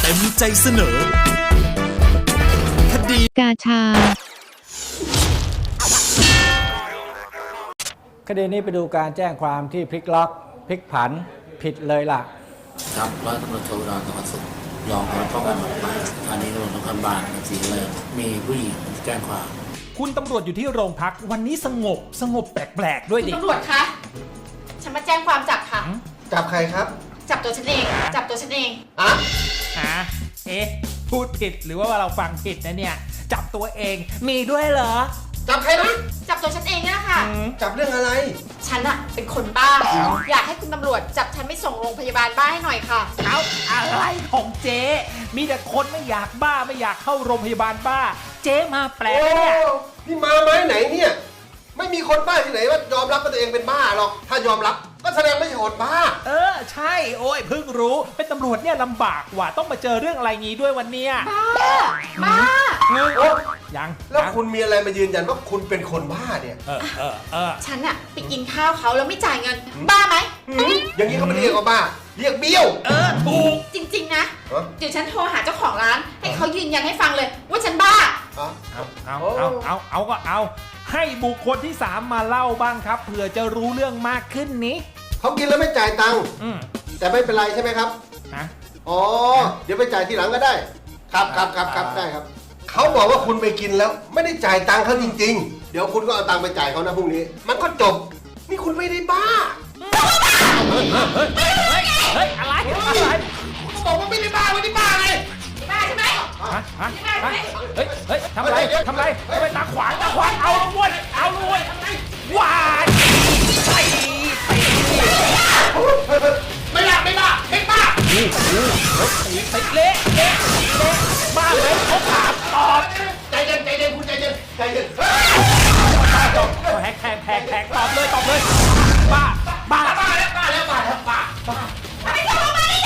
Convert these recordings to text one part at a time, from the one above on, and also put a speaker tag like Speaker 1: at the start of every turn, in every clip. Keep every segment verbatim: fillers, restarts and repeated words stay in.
Speaker 1: เต็มใจเสนอคดี
Speaker 2: กาชา
Speaker 3: คดีนี้ไปดูการแจ้งความที่พลิกล็อกพลิกผันผิดเลยล่ะ
Speaker 4: ครับร้อยตำรวจโทอุดร สวัสดิ์สุขรองสารวัตรป้องกันปราบปรามสถานีตำรวจนครบาลศรีเลยมีผู้หญิงแจ้งความ
Speaker 1: คุณตำรวจอยู่ที่โรงพักวันนี้สงบสงบแปลกๆด้วยดิ
Speaker 5: คุณตำรวจคะฉันมาแจ้งความจับค่ะ
Speaker 6: จับใครครับ
Speaker 5: จับตัวฉันเองจับตัวฉันเอง
Speaker 6: อะ
Speaker 1: ฮะเอ๊ะพูดผิดหรือว่าเราฟังผิดนะเนี่ยจับตัวเองมีด้วยเหรอ
Speaker 6: จับใครนะ
Speaker 5: จับตัวฉันเองนี่แหละค่ะ
Speaker 6: จับเรื่องอะไร
Speaker 5: ฉันอะเป็นคนบ้าอยากให้คุณตำรวจจับฉันไปส่งโรงพยาบาลบ้าให้หน่อยค่ะ
Speaker 1: เอาอะไรของเจ๊มีแต่คนไม่อยากบ้าไม่อยากเข้าโรงพยาบาลบ้าเจ๊มาแปลกเนี่ย
Speaker 6: นี่มาไหมไหนเนี่ยไม่มีคนบ้าที่ไหนว่ายอมรับว่าตัวเองเป็นบ้าหรอกถ้ายอมรับก็แสดงไม่ใช่คนบ้า
Speaker 1: เออใช่โอ้ยเพิ่งรู้เป็นตำรวจเนี่ยลำบากว่ะต้องมาเจอเรื่องอะไรงี้ด้วยวันเนี้ย
Speaker 5: บ้าบ้า
Speaker 1: เงินยัง
Speaker 6: แล้วคุณมีอะไรมายืนยันว่าคุณเป็นคนบ้าเนี่ย
Speaker 1: เออเออเออ
Speaker 5: ฉันอะไปกินข้าวเขาแล้วไม่จ่ายเงินบ้าไหม
Speaker 6: อย่างนี้เขาไม่เรียกว่าบ้าเรียกเบี้ยว
Speaker 1: เออถูก
Speaker 5: จริงๆนะเดี๋ยวฉันโทรหาเจ้าของร้านให้เขายืนยันให้ฟังเลยว่าฉันบ้า
Speaker 1: เอาเอาเอาเอาเอาก็เอาให้บุคคลที่สามมาเล่าบ้างครับเผื่อจะรู้เรื่องมากขึ้นนี้
Speaker 6: เขากินแล้วไม่จ่ายตังค์แต่ไม่เป็นไรใช่ไหมครับอ๋อเดี๋ยวไปจ่ายทีหลังก็ได้ครับครับครับครับได้ครับเขาบอกว่าคุณไปกินแล้วไม่ได้จ่ายตังค์เขาจริงๆเดี๋ยวคุณก็เอาตังค์ไปจ่ายเขานะพรุ่งนี้มันก็จบนี่คุณไม่ได้บ้า
Speaker 1: เฮ้ยเฮ้ยเฮ้ยอะไรอะไร
Speaker 6: เขาบอกว่าไม่ได้บ้าไม่ได้บ้าไง
Speaker 5: บ้าใช่ไหม
Speaker 1: ฮะฮะเฮ้ยเฮ้ยทำอะไรทำอะไรทำไมตาขวางตาขวางเอาละวนเอาละวนว้าย
Speaker 6: ไม่บ้าไม่บ้าไม่บ้า
Speaker 1: ติดเละเละเละบ้าเลยเขาถามตอบ
Speaker 6: ใจเย็นใจเย็นคุณใจเย็นใจเย็น
Speaker 1: แฮกแฮกแฮกแฮกตอบเลยตอบเลยบ้าบ้า
Speaker 6: บ้าแล้วบ้าแล้วบ้าแล้วบ้าบ้า
Speaker 5: ไปส่งมาดิ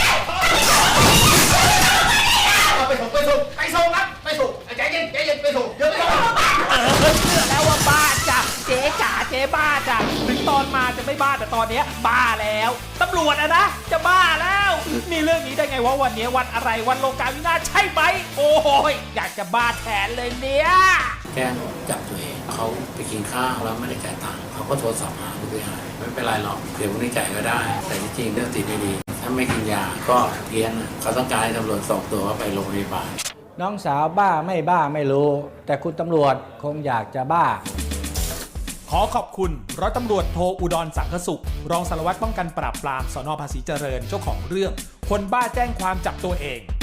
Speaker 6: ไปส่งไปส่งไปส่งครับไปส่งใจเย็นใจเย็นไปส่งเดี๋ยวไปส่ง
Speaker 1: เออเชื่อแล้วว่าบ้าจ้ะเจ๊จ๋าเจ๊บ้าจ้ะถึงตอนมาจะไม่บ้าแต่ตอนนี้บ้าแล้วตำรวจอะนะจะบ้าแล้วมีเรื่องนี้ได้ไงวะวันนี้วันอะไรวันโลกาวินาศใช่ไหมโอ้ยอยากจะบ้าแทนเลยเนี่ย
Speaker 4: แกล้งจับตัวเองเขาไปกินข้าวแล้วไม่ได้จ่ายตังค์เขาก็โทรศัพท์หาผู้บริหารไม่เป็นไรหรอกเดี๋ยววันนี้จ่ายก็ได้แต่จริงๆเรื่องติดไม่ดีถ้าไม่กินยาก็เพี้ยนเขาต้องการให้ตำรวจส่งตัวไปโรงพยาบาล
Speaker 3: น้องสาวบ้าไม่บ้าไม่รู้แต่คุณตำรวจคงอยากจะบ้า
Speaker 1: ขอขอบคุณร้อยตำรวจโทอุดรสังคสุขรองสารวัตรป้องกันปราบปรามสน.ภาษีเจริญเจ้าของเรื่องคนบ้าแจ้งความจับตัวเอง